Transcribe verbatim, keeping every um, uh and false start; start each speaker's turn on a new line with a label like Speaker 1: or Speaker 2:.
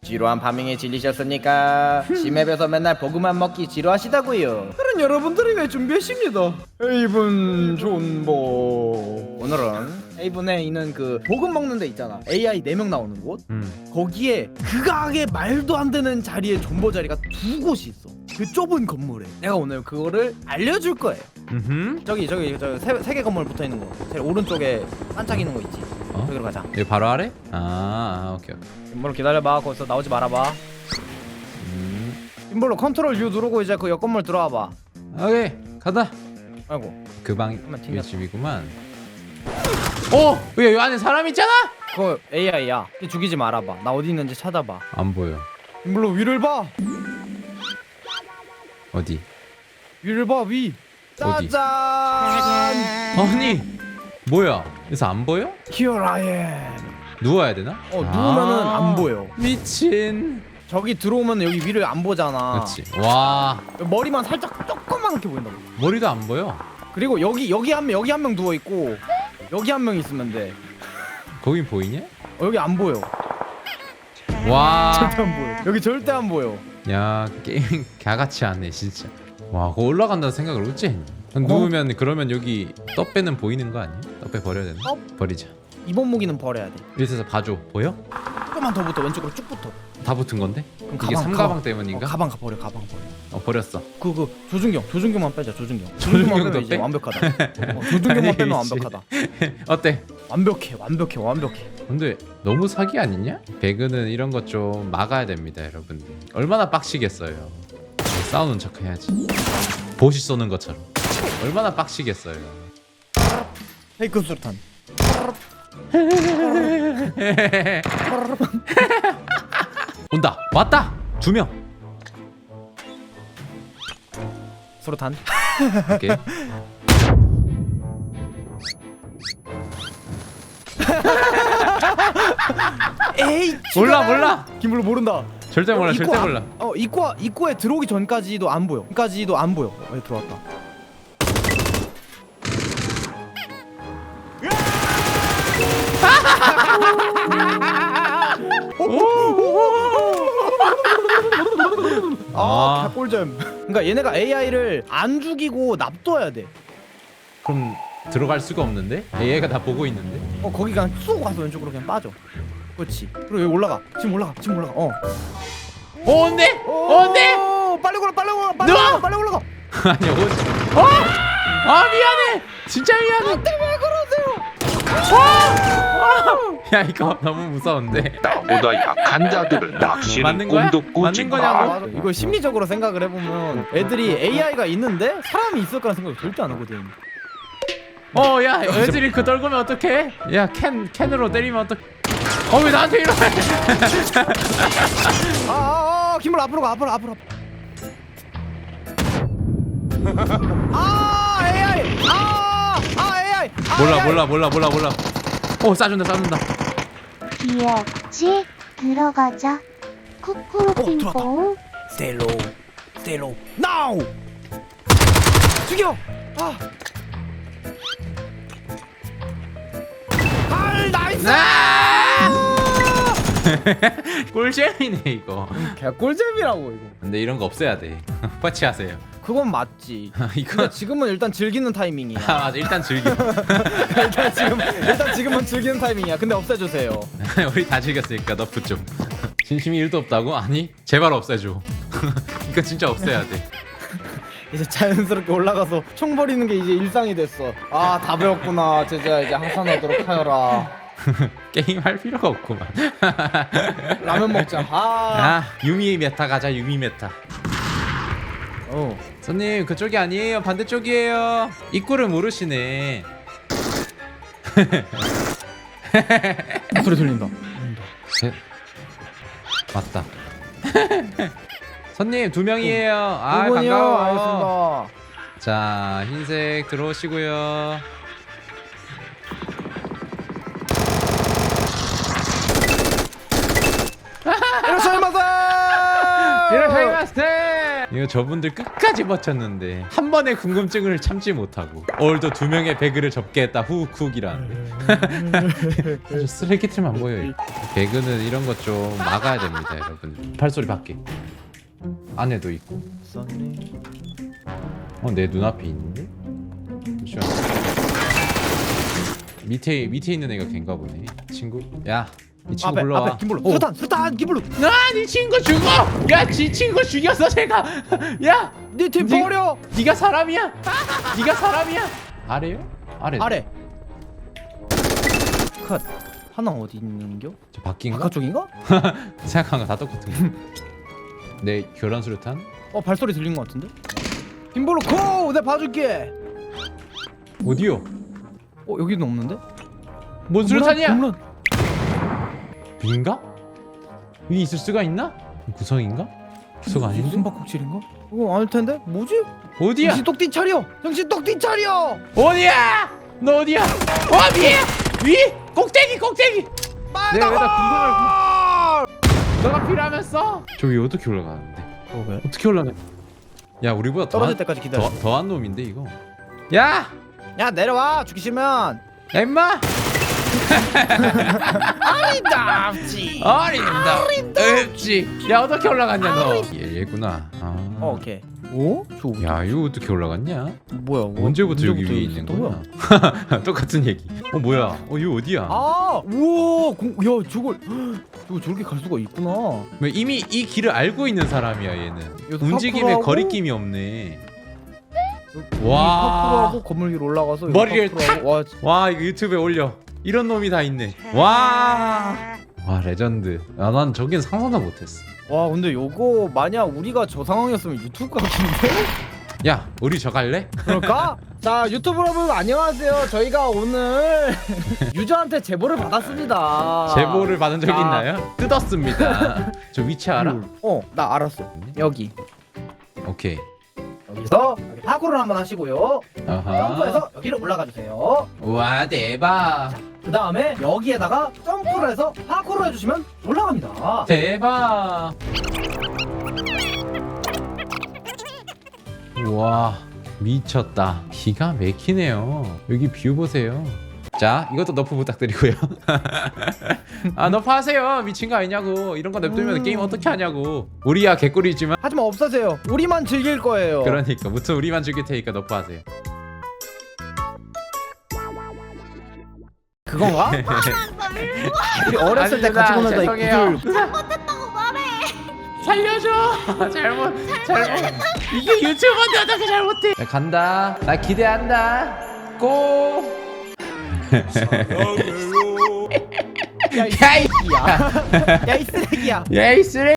Speaker 1: 지루한 파밍에 질리셨습니까? 심맵에서 맨날 보그만 먹기 지루하시다고요. 그런 여러분들을 위해 준비했습니다. 에이븐 존버. 오늘은 에이븐에 있는 그 보급 먹는 데 있잖아. 에이아이 네 명 나오는 곳.
Speaker 2: 음.
Speaker 1: 거기에 극악의 말도 안 되는 자리에 존버 자리가 두 곳이 있어. 그 좁은 건물에. 내가 오늘 그거를 알려줄 거예요.
Speaker 2: 음.
Speaker 1: 저기 저기 저기 세, 세 개 건물 붙어 있는 거. 제일 오른쪽에 반짝이는 거 있지.
Speaker 2: 어?
Speaker 1: 저기로 가자.
Speaker 2: 여기 바로 아래? 아, 아 오케이 오케이.
Speaker 1: 김볼로 기다려봐. 거기서 나오지 말아봐.
Speaker 2: 음.
Speaker 1: 김볼로 컨트롤 U 누르고 이제 그 옆 건물 들어와봐.
Speaker 2: 오케이 가다.
Speaker 1: 아이고.
Speaker 2: 그 방이
Speaker 1: 잠깐만,
Speaker 2: 이
Speaker 1: 튕겼어.
Speaker 2: 집이구만. 어? 왜 여기 안에 사람 있잖아?
Speaker 1: 그거 에이아이야. 죽이지 말아봐. 나 어디 있는지 찾아봐.
Speaker 2: 안 보여.
Speaker 1: 김볼로 위를 봐.
Speaker 2: 어디?
Speaker 1: 위를 봐 위.
Speaker 2: 어디?
Speaker 1: 짜잔.
Speaker 2: 아니 뭐야? 그래서 안 보여?
Speaker 1: Here I am.
Speaker 2: 누워야 되나?
Speaker 1: 어 누우면은
Speaker 2: 아,
Speaker 1: 안 보여.
Speaker 2: 미친.
Speaker 1: 저기 들어오면 여기 위를 안 보잖아.
Speaker 2: 그렇지. 와
Speaker 1: 머리만 살짝 조그맣게 보인다고.
Speaker 2: 머리도 안 보여.
Speaker 1: 그리고 여기 여기 한 명 여기 한 명 누워 있고 여기 한 명 있으면 돼.
Speaker 2: 거긴 보이냐?
Speaker 1: 어, 여기 안 보여.
Speaker 2: 와.
Speaker 1: 절대 안 보여. 여기 절대 안 보여.
Speaker 2: 야 게임 개같이 하네 진짜. 와 그거 올라간다는 생각을 어째 했니? 누우면 그러면 여기 떡배는 보이는 거 아니야? 떡배 버려야 되나?
Speaker 1: 떡?
Speaker 2: 버리자.
Speaker 1: 이번 무기는 버려야 돼.
Speaker 2: 이래서 봐줘. 보여?
Speaker 1: 조금만 더 붙어. 왼쪽으로 쭉 붙어.
Speaker 2: 다 붙은 건데?
Speaker 1: 그럼
Speaker 2: 이게
Speaker 1: 가방,
Speaker 2: 삼가방
Speaker 1: 가방.
Speaker 2: 때문인가?
Speaker 1: 어, 가방 가 버려. 가방 버려.
Speaker 2: 어 버렸어.
Speaker 1: 그 그 조준경 조준경만 빼자. 조준경.
Speaker 2: 조준경도
Speaker 1: 빼면 이제
Speaker 2: 빼?
Speaker 1: 완벽하다. 어, 조준경만
Speaker 2: 아니,
Speaker 1: 빼면
Speaker 2: 씨.
Speaker 1: 완벽하다.
Speaker 2: 어때?
Speaker 1: 완벽해. 완벽해. 완벽해.
Speaker 2: 근데 너무 사기 아니냐? 배그는 이런 것 좀 막아야 됩니다 여러분들. 얼마나 빡시겠어요. 싸우는 척 해야지. 보시 쏘는 것처럼. 얼마나 빡시겠어요.
Speaker 1: 페이크 수류탄.
Speaker 2: 온다. 왔다. 두 명.
Speaker 1: 수류탄.
Speaker 2: 오케이.
Speaker 1: 에이.
Speaker 2: 몰라
Speaker 1: 지가-
Speaker 2: 몰라.
Speaker 1: 김블루 모른다.
Speaker 2: 절대 몰라.
Speaker 1: 입구
Speaker 2: 절대
Speaker 1: 앞-
Speaker 2: 몰라.
Speaker 1: 어 입구 입구에 들어오기 전까지도 안 보여. 까지도 안 보여. 어, 들어왔다. 아,
Speaker 2: 아.
Speaker 1: 개꿀잼. 그러니까 얘네가 에이아이를 안 죽이고 납둬야 돼.
Speaker 2: 그럼 들어갈 수가 없는데? 얘가 다 보고 있는데?
Speaker 1: 어 거기 그냥 쑥 가서 왼쪽으로 그냥 빠져. 그렇지. 그리고 여기 올라가. 지금 올라가. 지금 올라가. 어.
Speaker 2: 어 온대? 온대?
Speaker 1: 오, 빨리 올라. 빨리 올라. 빨리
Speaker 2: 누워!
Speaker 1: 올라. 빨리 올라가.
Speaker 2: 아니 온. 어? 아 미안해. 진짜 미안해.
Speaker 1: 왜 그러세요?
Speaker 2: 야 이거 너무 무서운데.
Speaker 3: 나보다 약한 자들을 낚시는
Speaker 2: 맞는 거야?
Speaker 3: 꿈도
Speaker 2: 맞는
Speaker 3: 꾸지
Speaker 2: 거냐고?
Speaker 3: 마.
Speaker 1: 맞아. 이거 심리적으로 생각을 해보면 애들이 에이아이가 있는데 사람이 있을 거라는 생각을 절대 안 하거든.
Speaker 2: 어, 야, 애들이 그 떨구면 어떡해? 야, 캔 캔으로 때리면 어떡? 어, 왜 나한테 이러래?
Speaker 1: 아, 아, 아, 김을 앞으로 가, 앞으로, 앞으로. 앞으로. 아, 에이아이. 아, 아, 에이아이. 아,
Speaker 2: 몰라,
Speaker 1: 에이아이.
Speaker 2: 몰라, 몰라, 몰라, 몰라. 어, 쏴준다, 쏴준다.
Speaker 4: 귀엽지? 들어가자. 쿠쿠루
Speaker 1: 어,
Speaker 4: 핑퐁.
Speaker 1: Stay low, stay low. Now. 죽여. 아. 아, 나이스.
Speaker 2: 꿀잼이네 이거.
Speaker 1: 개꿀잼이라고 이거.
Speaker 2: 근데 이런 거 없애야 돼. 퍼치하세요.
Speaker 1: 그건 맞지.
Speaker 2: 이거
Speaker 1: 근데 지금은 일단 즐기는 타이밍이야.
Speaker 2: 아, 맞아. 일단 즐겨.
Speaker 1: 일단 지금 일단 지금은 즐기는 타이밍이야. 근데 없애주세요.
Speaker 2: 우리 다 즐겼으니까 너프 좀. 진심이 일도 없다고? 아니, 제발 없애줘. 이거 진짜 없애야 돼.
Speaker 1: 이제 자연스럽게 올라가서 총 버리는 게 이제 일상이 됐어. 아, 다 배웠구나. 제자 이제 항산하도록 하여라.
Speaker 2: 게임 할 필요가 없구만.
Speaker 1: 라면 먹자. 아.
Speaker 2: 아, 유미 메타 가자. 유미 메타.
Speaker 1: 어.
Speaker 2: 손님 그쪽이 아니에요. 반대쪽이에요. 입구를 모르시네.
Speaker 1: 소리 들린다.
Speaker 2: 셋. 맞다. 손님 두 명이에요. 아
Speaker 1: 두 분이요.
Speaker 2: 반가워.
Speaker 1: 알겠습니다.
Speaker 2: 자 흰색 들어오시고요.
Speaker 1: 이라샤이마세.
Speaker 2: 이라샤이마스테. 이거 저분들 끝까지 버텼는데 한 번의 궁금증을 참지 못하고 오늘도 두 명의 배그를 접게 했다 후쿡이란 아주 쓰레기틀만 보여요. 배그는 이런 것 좀 막아야 됩니다 여러분. 발소리 밖에 안에도 있고 어 내 눈앞에 있는데? 잠시만. 밑에 밑에 있는 애가 걘가 보네. 친구? 야, 이 친구
Speaker 1: 앞에
Speaker 2: 불러와.
Speaker 1: 앞에 김블루
Speaker 2: 오.
Speaker 1: 수탄 수탄 김블루
Speaker 2: 나네 친구 죽어! 야, 지 친구 죽였어 제가. 야,
Speaker 1: 네팀
Speaker 2: 니-
Speaker 1: 버려
Speaker 2: 네가 사람이야? 네가 사람이야? 아래요? 아래.
Speaker 1: 아래 컷 하나 어디 있는겨?
Speaker 2: 저 바뀐가?
Speaker 1: 바깥쪽인가?
Speaker 2: 생각한 거 다 똑같은 거. 내 교란 수류탄?
Speaker 1: 어 발소리 들린 것 같은데? 김블루 고! 내가 봐줄게
Speaker 2: 어디요?
Speaker 1: 어 여기는 없는데?
Speaker 2: 뭔 수류탄이야?
Speaker 1: 홈런, 홈런.
Speaker 2: 빈가? 위에 있을 수가 있나? 구성인가? 구성 아닌데?
Speaker 1: 숨바꼭질인가? 이거 아닐 텐데? 뭐지?
Speaker 2: 어디야?
Speaker 1: 정신 똑띠 차려! 정신 똑띠 차려!
Speaker 2: 어디야? 너 어디야? 어 위에! 위! 꼭대기 꼭대기!
Speaker 1: 빨리
Speaker 2: 내가 왜다
Speaker 1: 나와!
Speaker 2: 너가 필요하면서? 저기 어떻게 올라가는데?
Speaker 1: 어 왜?
Speaker 2: 어떻게 올라가? 야 우리보다
Speaker 1: 떨어질
Speaker 2: 더한,
Speaker 1: 때까지 기다려
Speaker 2: 더, 더한 놈인데 이거. 야!
Speaker 1: 야 내려와 죽기 싫으면
Speaker 2: 야 임마!
Speaker 1: 아리답지
Speaker 2: 어림도 없지. 야 어떻게 올라갔냐 너? 얘, 얘구나. 아.
Speaker 1: 어 오케이 오? 저
Speaker 2: 야 이거 어떻게 올라갔냐?
Speaker 1: 뭐야
Speaker 2: 언제부터 여기
Speaker 1: 언제부터
Speaker 2: 위에
Speaker 1: 여기
Speaker 2: 있는
Speaker 1: 있었던
Speaker 2: 거야? 똑같은 얘기. 어 뭐야? 어 이거 어디야?
Speaker 1: 아 우와 공, 야 저걸 저거 저렇게 갈 수가 있구나
Speaker 2: 뭐 이미 이 길을 알고 있는 사람이야 얘는.
Speaker 1: 여기서
Speaker 2: 움직임에
Speaker 1: 파쿠르하고?
Speaker 2: 거리낌이 없네.
Speaker 1: 와
Speaker 2: 와.
Speaker 1: 파쿠르하고 건물 위로 올라가서
Speaker 2: 머리를
Speaker 1: 파쿠르하고, 와
Speaker 2: 와 이거 유튜브에 올려. 이런 놈이 다 있네. 와. 와 레전드. 아 난 저긴 상상도 못했어.
Speaker 1: 와 근데 요거 만약 우리가 저 상황이었으면 유튜브 각인데?
Speaker 2: 야 우리 저 갈래?
Speaker 1: 그럴까? 자 유튜브 여러분 안녕하세요 저희가 오늘 유저한테 제보를 받았습니다
Speaker 2: 제보를 받은 적이
Speaker 1: 아.
Speaker 2: 있나요? 뜯었습니다. 저 위치 알아?
Speaker 1: 어나 알았어 여기
Speaker 2: 오케이.
Speaker 1: 여기서 여기 파쿠르를 한번 하시고요
Speaker 2: 아하.
Speaker 1: 점프해서 여기를 올라가 주세요
Speaker 2: 와 대박.
Speaker 1: 그 다음에 여기에다가 점프를 해서 파쿠르 해주시면 올라갑니다
Speaker 2: 대박. 와 미쳤다. 기가 막히네요. 여기 뷰 보세요. 자 이것도 너프 부탁드리고요. 아 너프 하세요. 미친 거 아니냐고. 이런 거 냅두면
Speaker 1: 음.
Speaker 2: 게임 어떻게 하냐고. 우리야 개꿀이지만
Speaker 1: 하지만 없으세요 우리만 즐길 거예요
Speaker 2: 그러니까 무튼 우리만 즐길 테니까 너프 하세요.
Speaker 1: 그건가? 우리 어렸을 때 같이
Speaker 2: 아닙니다.
Speaker 1: 보내다 이
Speaker 2: 죄송해요.
Speaker 1: 구슬
Speaker 4: 잘못했다고 말해.
Speaker 2: 살려줘. 잘못 잘못. 이게 유튜버인데 어떻게 잘못해? 야, 간다. 나 기대한다. 고.
Speaker 1: 야이 쓰레기야 야이 쓰레기야
Speaker 2: 야이 쓰레.